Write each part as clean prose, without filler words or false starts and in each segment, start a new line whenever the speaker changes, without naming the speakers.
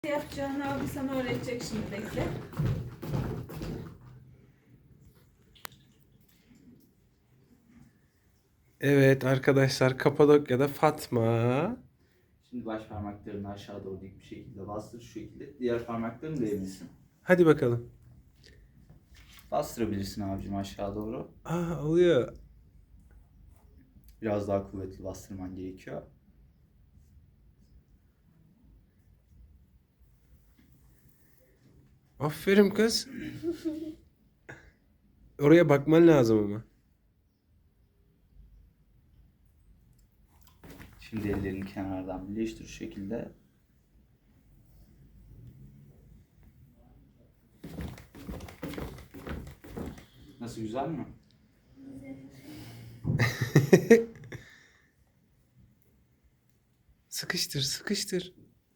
Yapacağını abi sana öğretecek şimdi, bekle.
Evet arkadaşlar, Kapadokya'da Fatma.
Şimdi baş parmaklarını aşağı doğru dik bir şekilde bastır, şu şekilde. Diğer parmaklarını değmesin.
Hadi bakalım.
Bastırabilirsin abicim aşağı doğru.
Oluyor.
Biraz daha kuvvetli bastırman gerekiyor.
Aferin kız. Oraya bakman lazım ama.
Şimdi ellerini kenardan birleştir şu şekilde. Nasıl, güzel mi?
Sıkıştır, sıkıştır.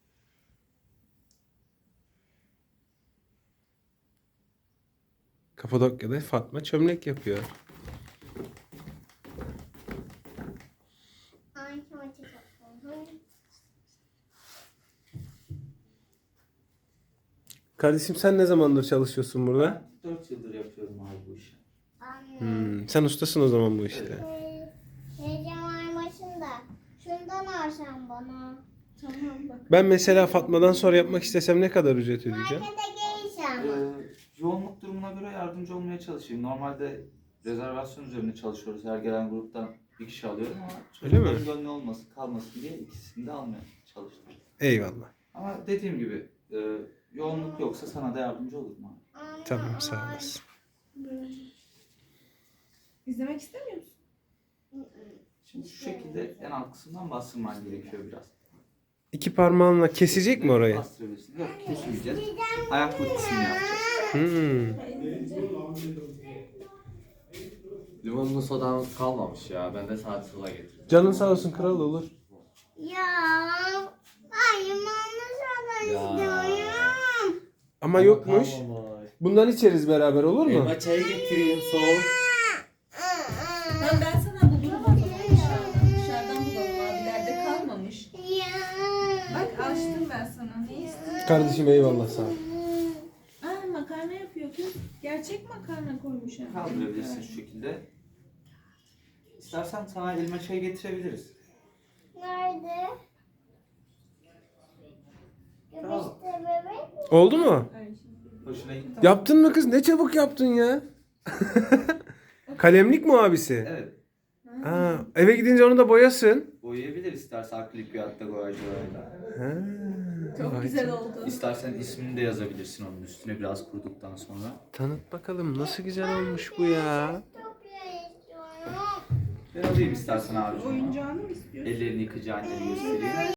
Kapadokya'da Fatma çömlek yapıyor. Kardeşim, sen ne zamandır çalışıyorsun burada?
Ben 4 yıldır yapıyorum abi bu işi.
Sen ustasın o zaman bu işte.
Heyecan var başında. Şundan alsam bana.
Tamam bak.
Ben mesela Fatma'dan sonra yapmak istesem ne kadar ücret ödeyeceğim?
Markete geleceğim.
Yoğunluk durumuna göre yardımcı olmaya çalışayım. Normalde rezervasyon üzerine çalışıyoruz. Her gelen gruptan bir kişi alıyorum ama
Öyle mi?
çocukların gönlü olmasın, kalmasın diye ikisini de almaya çalıştım.
Eyvallah.
Ama dediğim gibi yoğunluk yoksa sana da yardımcı olurum abi.
Tamam, sağ olasın.
İzlemek istemiyor musun?
Şimdi şu şekilde en alt kısımdan bastırman gerekiyor biraz.
İki parmağınla kesecek mi orayı?
Bastırabilirsin. Yok, kesmeyeceğiz. Ayak kısmını yapacağız.
Limonlu sodan kalmamış ya. Ben de sadece soda getirdim.
Canın sağ olsun, kral olur.
Ya. Ben limonlu soda istiyorum.
Ama yokmuş.
Kalmamış.
Bundan içeriz beraber, olur mu?
Elma çayı getireyim soğuk.
Tamam, ben sana bulurum o zaman dışarıdan. Dışarıdan bulalım, abilerde kalmamış.
Ya.
Bak açtım ben sana, ne istiyorsun?
Kardeşim eyvallah, sağ ol.
Makarna yapıyor kız. Gerçek makarna koymuş hem.
Kaldırabilirsin şu şekilde. İstersen sana elma çayı getirebiliriz.
Nerede?
Bravo.
Göbüşte bebek.
Oldu mu?
Ay, şimdi-
Hoşuna gitti.
Yaptın mı kız? Ne çabuk yaptın ya. Kalemlik mi abisi?
Evet.
Eve gidince onu da boyasın.
Boyayabilir istersen akrilik veyahut da boyacı boyayla.
Çok
Vay
güzel
canına.
oldu.
İstersen ismini de yazabilirsin onun üstüne biraz kuruduktan sonra.
Tanıt bakalım, nasıl güzel olmuş bu ya.
Çok istiyorum.
Ben alayım istersen abicim onu.
Oyuncağını mı istiyorsun?
Ellerini yıkayacağını göstereyim.